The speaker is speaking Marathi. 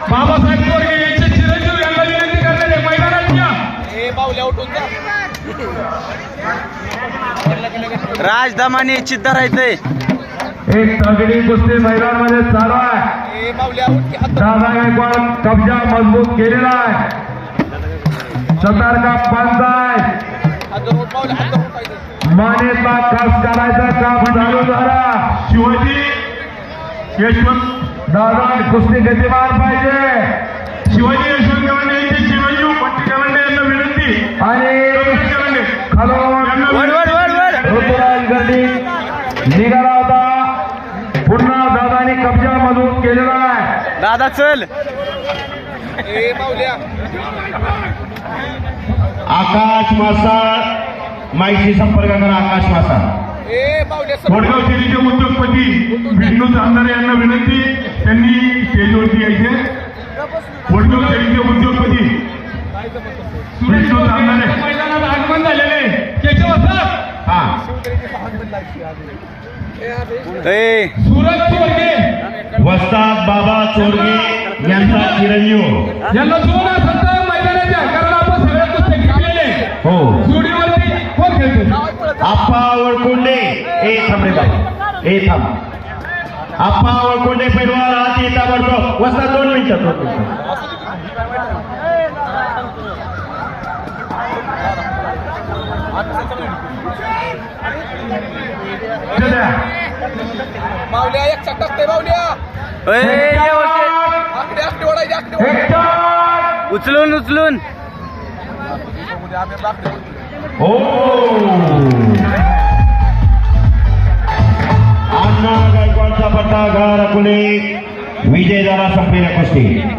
बाबासाहेब तोरगे यांचे चिरंजीव यांना विनंती करण्यात आहे मैदानात या. राज दमाने चित्त राहायचंय. एक तगडी कुस्ती मैदानामध्ये चालू आहे. दादा गायकवाड कब्जा मजबूत केलेला आहे. सतर्का पंच आहे. मानेचा खास करायचा काम चालू झाला. शिवाजी यशवंत दादा कुस्ती गतिमान पाहिजे. शिवाजी यशवंत गवंडे यांचे चिरंजीव पट्टी गवंडे यांना विनंती आणि ऋतुराज गर्दी निघाला होता. पुन्हा दादाने कब्जा मजबूत केलेला आहे. दादा चल. आकाश मासाळ माहिती संपर्क करा. आकाश मासाळ वडगाव शैलीचे उद्योगपती विष्णू चांदारे यांना विनंती त्यांनी स्टेजवरती यायचे. वडगाव शैलीचे उद्योगपती विष्णू चांदारे मैदानात आगमन झालेले केशव सर. हा सुरज चोरगे वस्ताद बाबा चोरगे यांचा चिरंजीव यांना जोरात सत्ता मैदानाच्या कारण आपण सगळ्या कुस्त्या खेळलेले. हो जोडीवरती कोण खेळतो. आप्पा वळकोंडे. ए थांब रे बाई. ए थांब. आप्पा वळकोंडे पैलवान हात येता पडतो. वस्ताद 2 मिनिटं 2 मिनिटं. मावल्या एक चटक ते मावल्या आकडे आकडे ओढायचे आकडे उचलून उचलून. हो अण्णा गायकवाडचा पट्टा गार अकोले विजय झाला संपलेल्या कुस्ती.